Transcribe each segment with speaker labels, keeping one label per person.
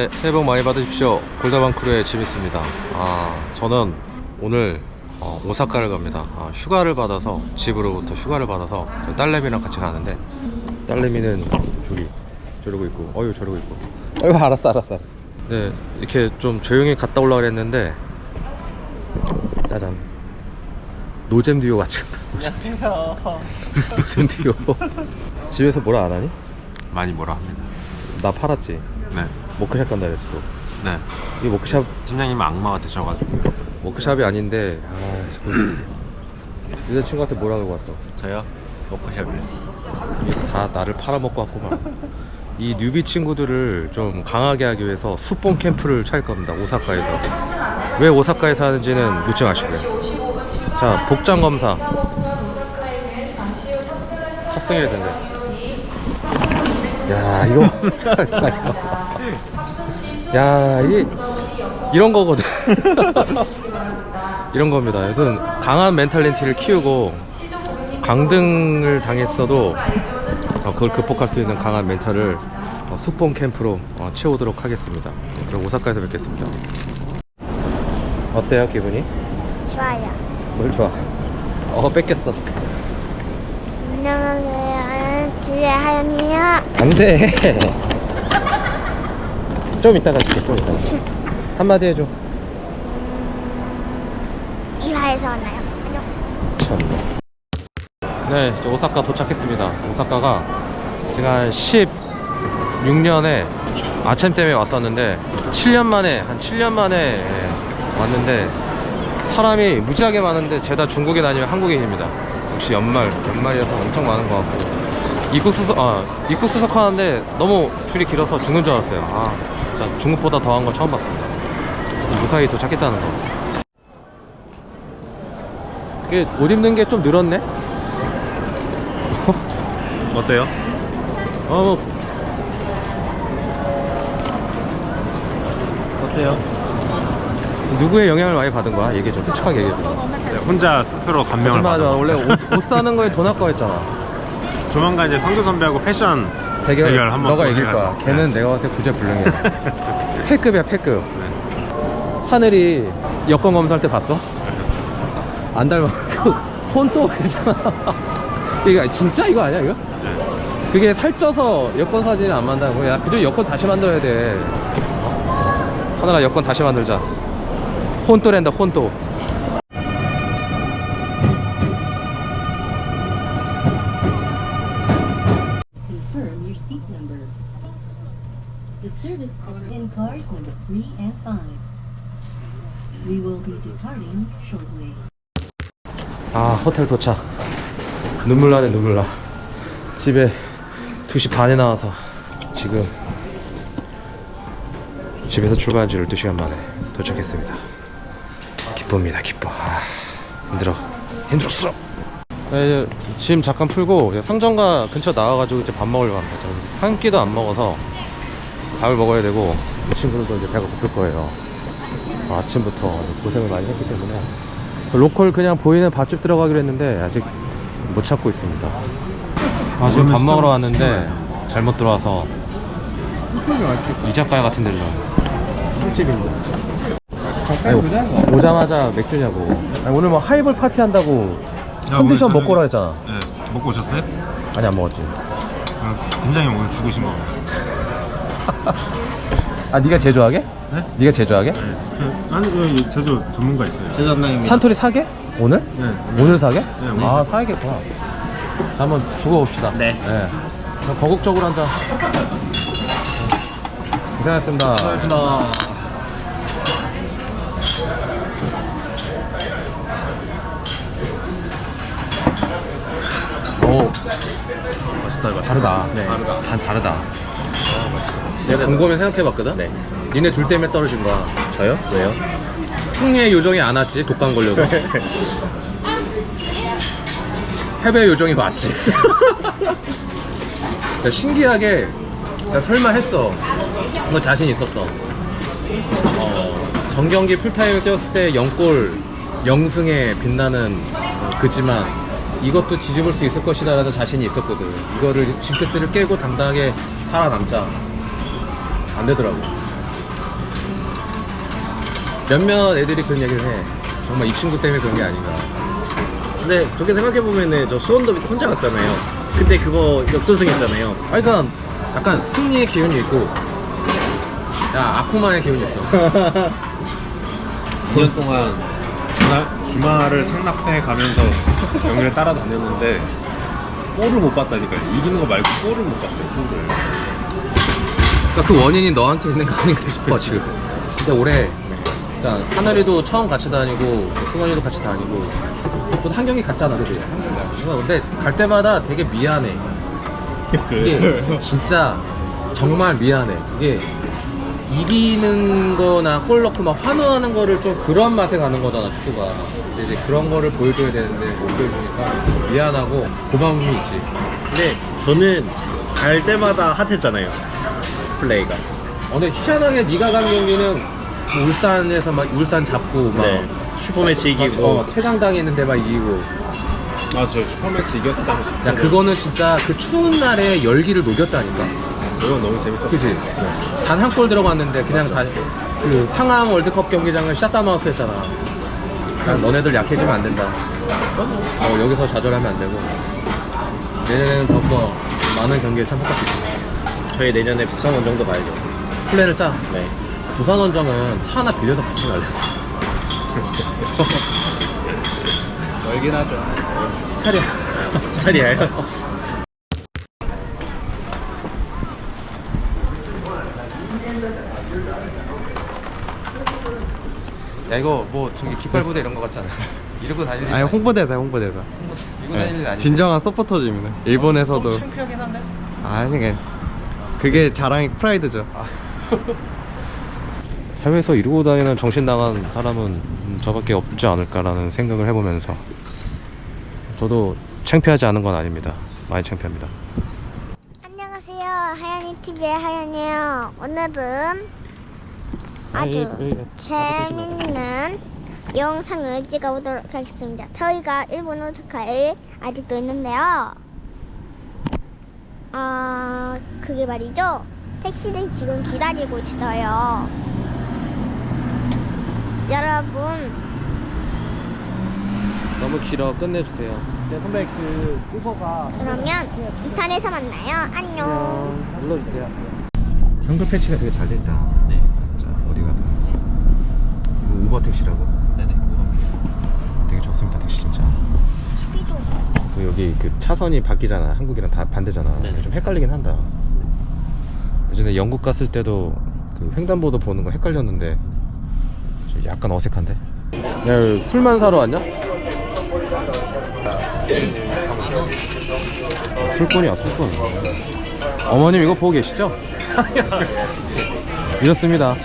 Speaker 1: 네, 새해 복 많이 받으십시오. 골다방 크루의 지미스입니다. 저는 오늘 오사카를 갑니다. 휴가를 받아서, 집으로부터 휴가를 받아서 딸내미랑 같이 가는데, 딸내미는 저러고 있고, 저러고 있고. 알았어. 네, 이렇게 좀 조용히 갔다 오려고 그랬는데, 짜잔, 노잼 듀오 같이 간다.
Speaker 2: 안녕하세요.
Speaker 1: 노잼 듀오. 집에서 뭐라 안 하니?
Speaker 2: 많이 뭐라 합니다.
Speaker 1: 나 팔았지.
Speaker 2: 네.
Speaker 1: 워크샵 간다 그랬어.
Speaker 2: 네.
Speaker 1: 이 워크샵,
Speaker 2: 팀장님 악마가 되셔가지고.
Speaker 1: 워크샵이 아닌데, 여자친구한테 뭐라 그러고 왔어?
Speaker 2: 저요? 워크샵이요.
Speaker 1: 이게 다 나를 팔아먹고 왔구만. 이 뉴비 친구들을 좀 강하게 하기 위해서 수본 캠프를 차릴 겁니다. 오사카에서. 왜 오사카에서 하는지는 묻지 마시고요. 자, 복장 검사 탑승해야 된대. 야, 이거 야, 이게 이런 거거든. 이런 겁니다. 여튼 강한 멘탈리티를 키우고 강등을 당했어도 그걸 극복할 수 있는 강한 멘탈을 수본 캠프로 채우도록 하겠습니다. 그럼 오사카에서 뵙겠습니다. 어때요, 기분이?
Speaker 3: 좋아요.
Speaker 1: 뭘 좋아? 뺏겼어.
Speaker 3: 안녕하세요. 주의 하연이요.
Speaker 1: 안돼. 좀 이따가 줄게. 좀 이따가. 한마디 해줘.
Speaker 3: 이화에서 왔나요? 안녕.
Speaker 1: 참. 네, 저 오사카 도착했습니다. 오사카가 제가 한 16년에 아침 때문에 왔었는데 7년 만에 왔는데 사람이 무지하게 많은데 죄다 중국인 아니면 한국인입니다. 역시 연말이어서 엄청 많은 것 같고 입국 수속하는데 너무 줄이 길어서 죽는 줄 알았어요. 진짜 중국보다 더한 건 처음 봤습니다. 무사히 도착했다는 거. 이게 옷 입는 게 좀 늘었네?
Speaker 2: 어때요?
Speaker 1: 어때요? 누구의 영향을 많이 받은 거야? 얘기해줘. 솔직하게 얘기해줘.
Speaker 2: 네, 혼자 스스로 감명을
Speaker 1: 맞아.
Speaker 2: 받은
Speaker 1: 원래 옷 사는 거에 돈 아까워했잖아.
Speaker 2: 조만간 이제 성규 선배하고 패션 대결 한번
Speaker 1: 너가 이길
Speaker 2: 해가지고.
Speaker 1: 거야. 걔는
Speaker 2: 네.
Speaker 1: 내가 봤을 때 구제불능이야. 패급이야, 패급.
Speaker 2: 네.
Speaker 1: 하늘이 여권 검사할 때 봤어? 안 닮아. 혼또 그랬잖아. 이거 진짜 이거 아니야, 이거?
Speaker 2: 네.
Speaker 1: 그게 살쪄서 여권 사진이 안 만다고. 야, 그저 여권 다시 만들어야 돼. 하늘아, 여권 다시 만들자. 혼또랜다, 혼또.
Speaker 4: Confirm your seat number. The service in cars number 3 and 5. We will be departing shortly.
Speaker 1: 호텔 도착. 눈물 나네, 눈물 나. 집에 2시 반에 나와서 지금 집에서 출발한 지 12시간 만에 도착했습니다. 기쁩니다, 기뻐. 힘들었어. 네, 이제 짐 잠깐 풀고 상점가 근처 나와가지고 이제 밥 먹으려고 합니다. 한 끼도 안 먹어서 밥을 먹어야 되고, 이 친구들도 이제 배가 고플 거예요. 아침부터 고생을 많이 했기 때문에 로컬 그냥 보이는 밥집 들어가기로 했는데 아직 못 찾고 있습니다. 지금 밥 먹으러 왔는데 잘못 들어와서 이자카야 같은 데로 술집인데. 오자마자 맥주냐고. 오늘 뭐 하이볼 파티 한다고 컨디션 먹고 오라 했잖아.
Speaker 2: 네. 먹고 오셨어요?
Speaker 1: 아니, 안 먹었지.
Speaker 2: 팀장님 오늘 죽으신 거.
Speaker 1: 네가 제조하게?
Speaker 2: 네?
Speaker 1: 네가 제조하게?
Speaker 2: 네. 아니, 여기 제조 전문가 있어요. 제조 담당입니다.
Speaker 1: 산토리 사게? 오늘?
Speaker 2: 네.
Speaker 1: 오늘 사게?
Speaker 2: 네, 오늘.
Speaker 1: 사야겠구나. 자, 한번 주고 봅시다.
Speaker 2: 네.
Speaker 1: 그럼 거국적으로 한 잔. 고생하셨습니다.
Speaker 2: 고맙습니다.
Speaker 1: 오,
Speaker 2: 맛있다.
Speaker 1: 다르다.
Speaker 2: 네.
Speaker 1: 다르다. 내가 곰곰이 생각해봤거든?
Speaker 2: 네.
Speaker 1: 니네 둘 때문에 떨어진 거야.
Speaker 2: 저요? 왜요?
Speaker 1: 승리의 요정이 안 왔지, 독감 걸려고. 패배의 요정이 맞지. 신기하게 나 설마 했어. 너 자신 있었어. 정경기 풀타임을 뛰었을 때 0골 0승에 빛나는 그지만 이것도 뒤집을 수 있을 것이다 라는 자신이 있었거든. 이거를 징크스를 깨고 당당하게 살아남자. 안 되더라고. 몇몇 애들이 그런 얘기를 해. 정말 이 친구 때문에 그런 게 아닌가.
Speaker 2: 근데 그렇게 생각해보면은 저 수원더비 혼자 갔잖아요. 근데 그거 역전승했잖아요.
Speaker 1: 아니, 그러니까 약간 승리의 기운이 있고, 야, 아쿠마의 기운이 있어.
Speaker 2: 2년 동안 주말을 상납해 가면서 경기를 따라다녔는데 골을 못 봤다니까요. 이기는 거 말고 골을 못 봤어요. 골을.
Speaker 1: 그러니까 그 원인이 너한테 있는 거 아닌가 싶어 지금. 근데 올해 그러니까 하늘이도 처음 같이 다니고 승원이도 같이 다니고 또 한 경기 갔잖아, 그지? 근데 갈 때마다 되게 미안해. 이게 진짜 정말 미안해. 이게 이기는 거나 골 넣고 막 환호하는 거를 좀 그런 맛에 가는 거잖아, 축구가. 근데 이제 그런 거를 보여줘야 되는데 못 보여주니까 미안하고 고마움이 있지.
Speaker 2: 근데 저는 갈 때마다 핫했잖아요. 플레이가.
Speaker 1: 근데 희한하게 네가 간 경기는 뭐 울산에서 막 울산 잡고 막
Speaker 2: 네. 슈퍼매치 이기고.
Speaker 1: 퇴장당했는데 막 이기고.
Speaker 2: 아, 저 슈퍼매치 이겼을 때 한번
Speaker 1: 야,
Speaker 2: 봤어요.
Speaker 1: 그거는 진짜 그 추운 날에 열기를 녹였다니까.
Speaker 2: 그건 너무 재밌었어요.
Speaker 1: 그지?
Speaker 2: 네.
Speaker 1: 단 한 골 들어갔는데 그냥 다 그 상암 월드컵 경기장을 샷다마우스 했잖아. 야, 너네들 약해지면 안 된다. 여기서 좌절하면 안 되고. 내년에는 더욱더 많은 경기에 참석할 수 있어.
Speaker 2: 저희 내년에 부산 원정도 가야죠.
Speaker 1: 플랜을 짜.
Speaker 2: 네.
Speaker 1: 부산 원정은 차 하나 빌려서 같이 갈래. 멀긴 하죠. 스타일이야.
Speaker 2: 스타일이에요.
Speaker 1: 야, 이거 뭐 저기 깃발 부대 이런 거 같지 않아? 이러고 다니는 일
Speaker 5: 아니 홍보대사 홍보대사.
Speaker 1: 이러고 다니는 일 아니야?
Speaker 5: 진정한 서포터즈입니다. 일본에서도.
Speaker 1: 좀 창피하긴 한데?
Speaker 5: 아니 그게 자랑이 프라이드죠.
Speaker 1: 해외에서 이러고 다니는 정신 나간 사람은 저밖에 없지 않을까라는 생각을 해보면서 저도 창피하지 않은 건 아닙니다. 많이 창피합니다.
Speaker 3: 안녕하세요. 하연이 TV의 하연이에요. 오늘은 아주 재밌는 영상을 찍어보도록 하겠습니다. 저희가 일본 오사카에 아직도 있는데요. 그게 말이죠. 택시를 지금 기다리고 있어요. 여러분,
Speaker 1: 너무 길어. 끝내주세요.
Speaker 5: 네, 선배 그 우버가
Speaker 3: 그러면 2탄에서 만나요. 안녕.
Speaker 1: 눌러주세요. 한글 패치가 되게 잘 됐다.
Speaker 2: 네.
Speaker 1: 자, 어디가? 이거 우버 택시라고?
Speaker 2: 네네.
Speaker 1: 되게 좋습니다, 택시 진짜.
Speaker 3: TV도
Speaker 1: 그 여기 그 차선이 바뀌잖아. 한국이랑 다 반대잖아.
Speaker 2: 네네.
Speaker 1: 좀 헷갈리긴 한다. 예전에 영국 갔을 때도 그 횡단보도 보는 거 헷갈렸는데 좀 약간 어색한데? 야, 술만 사러 왔냐? 술꾼이야, 술꾼. 어머님 이거 보고 계시죠? 이렇습니다.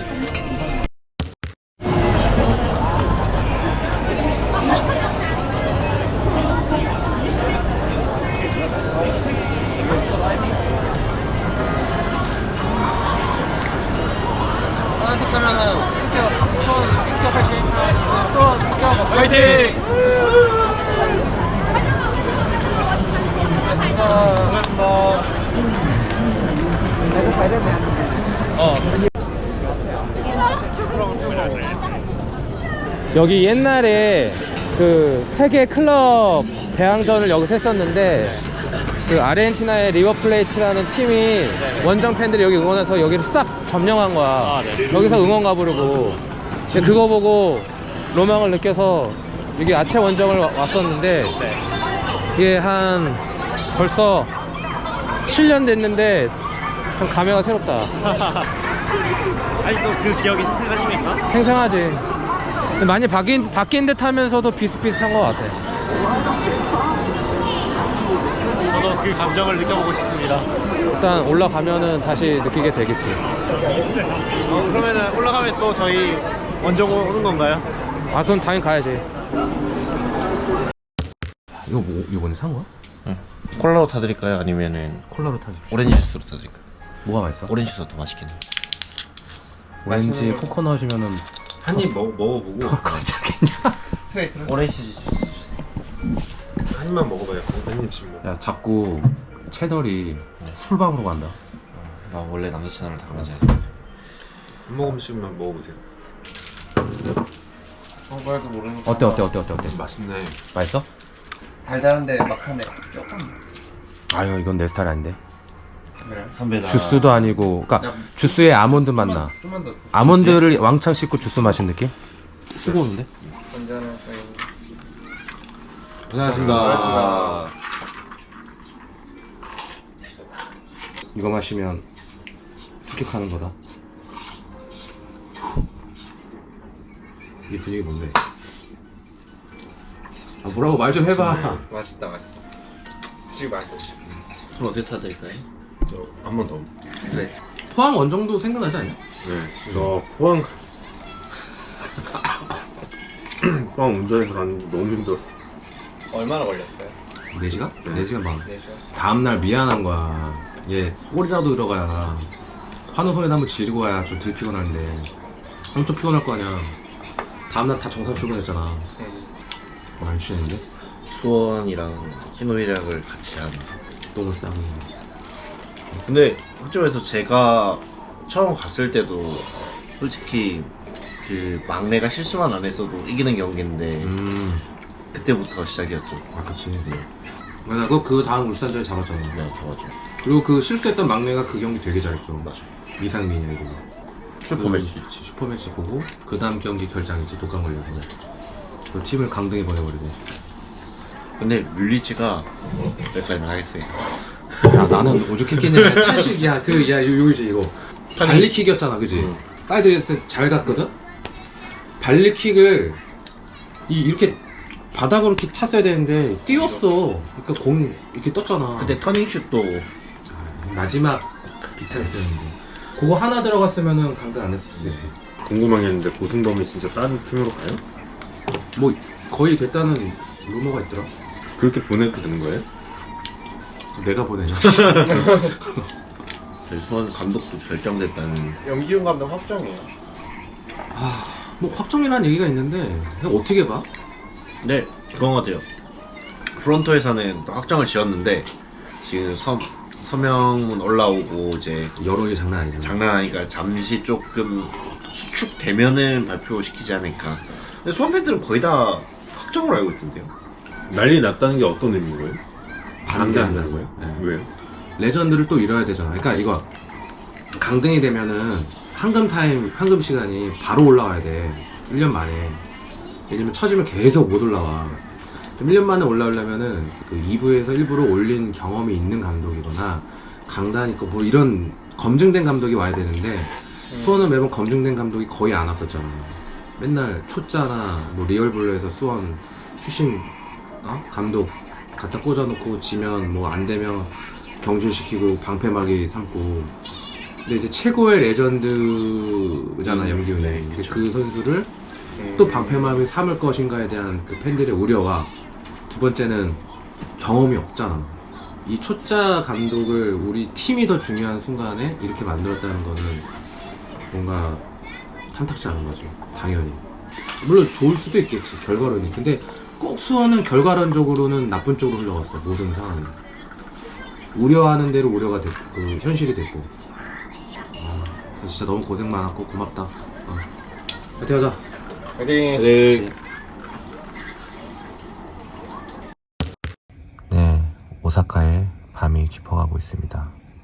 Speaker 2: 화이팅!
Speaker 1: 여기 옛날에 그 세계 클럽 대항전을 여기서 했었는데 그 아르헨티나의 리버플레이트라는 팀이 원정 팬들이 여기 응원해서 여기를 싹 점령한 거야. 여기서 응원 가부르고. 근데 그거 보고 로망을 느껴서 여기 아체 원정을 왔었는데 이게 한 벌써 7년 됐는데 참 감회가 새롭다.
Speaker 2: 아직도 그 기억이 생생하십니까?
Speaker 1: 생생하지. 근데 많이 바뀐 듯 하면서도 비슷비슷한 것 같아.
Speaker 2: 저도 그 감정을 느껴보고 싶습니다.
Speaker 1: 일단 올라가면은 다시 느끼게 되겠지.
Speaker 2: 그러면은 올라가면 또 저희 원정 오는 건가요?
Speaker 1: 아, 그럼 당연히 가야지. 이거 뭐, 이거 오늘 산 거야?
Speaker 6: 콜라로 타드릴까요? 아니면은
Speaker 1: 콜라로 타지.
Speaker 6: 오렌지 주스로 타드릴까요?
Speaker 1: 뭐가 맛있어?
Speaker 6: 오렌지 주스가 더 맛있겠네요.
Speaker 1: 오렌지 코코넛이면은
Speaker 2: 한 입 먹어보고
Speaker 1: 괜찮겠냐?
Speaker 6: 오렌지 주스.
Speaker 2: 한 입만 먹어봐요. 한 입씩 먹어.
Speaker 1: 야, 자꾸 채널이 술방으로 간다.
Speaker 6: 나 원래 남자 채널을 다 그런 지
Speaker 2: 한 모금씩만 먹어보세요.
Speaker 6: 정말도 모르는
Speaker 1: 어때?
Speaker 2: 맛있네.
Speaker 1: 맛있어?
Speaker 6: 달달한데 막하네. 조금.
Speaker 1: 아유 이건 내 스타일 아닌데.
Speaker 6: 선배 나.
Speaker 1: 주스도 아니고, 그러니까 주스에 아몬드 맛 나.
Speaker 6: 좀만 더.
Speaker 1: 아몬드를 왕창 씻고 주스 마신 느낌? 뜨거운데?
Speaker 6: 언제나 저희.
Speaker 2: 고생하셨습니다.
Speaker 1: 이거 마시면 습격하는 거다. 이 분위기 뭔데? 아 뭐라고 말 좀 해봐.
Speaker 6: 맛있다. 지금 맛있어. 술 어떻게 타드릴까요?
Speaker 2: 한 번 더.
Speaker 6: 스트레스.
Speaker 1: 포항 원정도 생각나지 않냐?
Speaker 2: 네. 저 포항 포항 운전해서 가는 게 너무 힘들었어.
Speaker 6: 얼마나 걸렸어요?
Speaker 1: 4시간? 4시간 반.
Speaker 6: 네, 저.
Speaker 1: 다음날 미안한 거야. 얘 꼴이라도 들어가야 환호성에다 한번 지르고 와야 좀 덜 피곤한데 엄청 피곤할 거 아니야. 다음날 다 정상 출근했잖아. 많이 취했는데?
Speaker 6: 수원이랑 희노애락을 같이 한.
Speaker 1: 똥을 싸고.
Speaker 6: 근데 학점에서 제가 처음 갔을 때도 솔직히 그 막내가 실수만 안 했어도 이기는 경기인데 그때부터 시작이었죠.
Speaker 1: 아 그치. 맞아. 그 다음 울산전에 잡았잖아.
Speaker 6: 네, 좋았죠.
Speaker 1: 그리고 그 실수했던 막내가 그 경기 되게 잘했어. 맞아. 이상민이야 이거.
Speaker 2: 슈퍼매치.
Speaker 1: 슈퍼매치 보고 그 다음 경기 결장이지. 독감 걸려서. 그 팀을 강등해 버려버리고.
Speaker 6: 근데 뮬리치가 여기까지만 하겠습니다.
Speaker 1: 야 나는 오죽했겠냐. 탈식이야. 요거지 이거. 발리킥이었잖아, 그지? 사이드에서 잘 갔거든. 발리킥을 이렇게 바닥으로 이렇게 찼어야 되는데 띄웠어. 그러니까 공 이렇게 떴잖아.
Speaker 6: 근데 터닝슛도
Speaker 1: 마지막 비찬스였는데 그거 하나 들어갔으면은 강등 안 했을 수도 있어.
Speaker 2: 궁금한 게 있는데 고승범이 진짜 다른 팀으로 가요?
Speaker 1: 뭐 거의 됐다는 루머가 있더라.
Speaker 2: 그렇게 보내도 되는 거예요?
Speaker 1: 내가 보내냐.
Speaker 6: 저희 수원 감독도 결정됐다는.
Speaker 7: 염기훈 감독 확정이에요.
Speaker 1: 뭐 확정이라는 얘기가 있는데 그냥 어떻게 봐?
Speaker 6: 네, 그건 것 같아요. 프론토에서는 또 확정을 지었는데 지금 서명문 올라오고 이제
Speaker 1: 여론이 장난 아니잖아.
Speaker 6: 장난 아니까 잠시 조금 수축되면은 발표시키지 않을까. 근데 수원 팬들은 거의 다 확정으로 알고 있던데요.
Speaker 2: 난리 났다는 게 어떤 의미인 거예요?
Speaker 1: 반대한다는
Speaker 2: 거예요?
Speaker 1: 네.
Speaker 2: 왜요?
Speaker 1: 레전드를 또 잃어야 되잖아. 그러니까 이거 강등이 되면은 황금 시간이 바로 올라와야 돼. 1년 만에. 왜냐면 처지면 계속 못 올라와. 1년 만에 올라오려면은 그 2부에서 일부러 올린 경험이 있는 감독이거나 강단 있고 뭐 이런 검증된 감독이 와야 되는데 수원은 매번 검증된 감독이 거의 안 왔었잖아. 맨날 초짜나 뭐 리얼블루에서 수원 출신 감독 갖다 꽂아놓고 지면 뭐 안 되면 경질시키고 방패막이 삼고. 근데 이제 최고의 레전드잖아 염기훈이. 근데 그 선수를 또 방패막이 삼을 것인가에 대한 그 팬들의 우려와 두 번째는 경험이 없잖아. 이 초짜 감독을 우리 팀이 더 중요한 순간에 이렇게 만들었다는 거는 뭔가 탐탁지 않은 거죠. 당연히. 물론 좋을 수도 있겠지, 결과론이. 근데 꼭 수원은 결과론적으로는 나쁜 쪽으로 흘러갔어, 모든 상황이. 우려하는 대로 우려가 됐고, 그 현실이 됐고. 진짜 너무 고생 많았고 고맙다. 파이팅 하자.
Speaker 6: 네.
Speaker 1: 네, 오사카에 밤이 깊어가고 있습니다.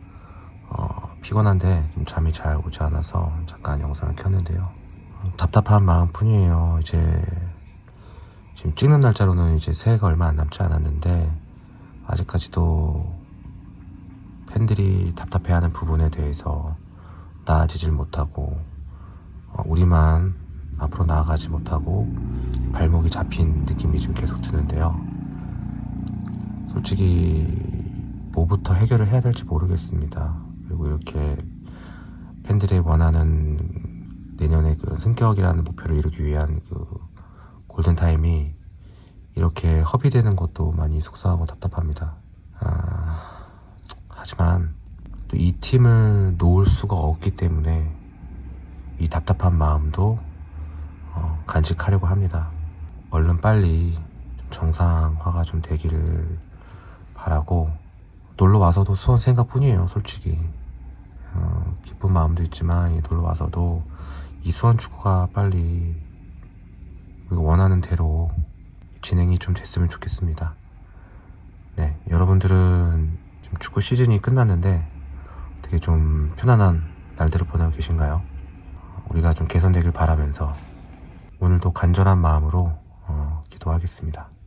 Speaker 1: 피곤한데 좀 잠이 잘 오지 않아서 잠깐 영상을 켰는데요. 답답한 마음뿐이에요. 이제 지금 찍는 날짜로는 이제 새해가 얼마 안 남지 않았는데 아직까지도 팬들이 답답해하는 부분에 대해서 나아지질 못하고 우리만 앞으로 나아가지 못하고 발목이 잡힌 느낌이 좀 계속 드는데요. 솔직히 뭐부터 해결을 해야 될지 모르겠습니다. 그리고 이렇게 팬들이 원하는 내년의 그 승격이라는 목표를 이루기 위한 그 골든타임이 이렇게 허비되는 것도 많이 속상하고 답답합니다. 하지만 또 이 팀을 놓을 수가 없기 때문에 이 답답한 마음도 간직하려고 합니다. 얼른 빨리 좀 정상화가 좀 되기를 바라고, 놀러 와서도 수원 생각뿐이에요. 솔직히 기쁜 마음도 있지만 놀러 와서도 이 수원 축구가 빨리 우리가 원하는 대로 진행이 좀 됐으면 좋겠습니다. 네, 여러분들은 지금 축구 시즌이 끝났는데 되게 좀 편안한 날들을 보내고 계신가요? 우리가 좀 개선되길 바라면서 오늘도 간절한 마음으로 기도하겠습니다.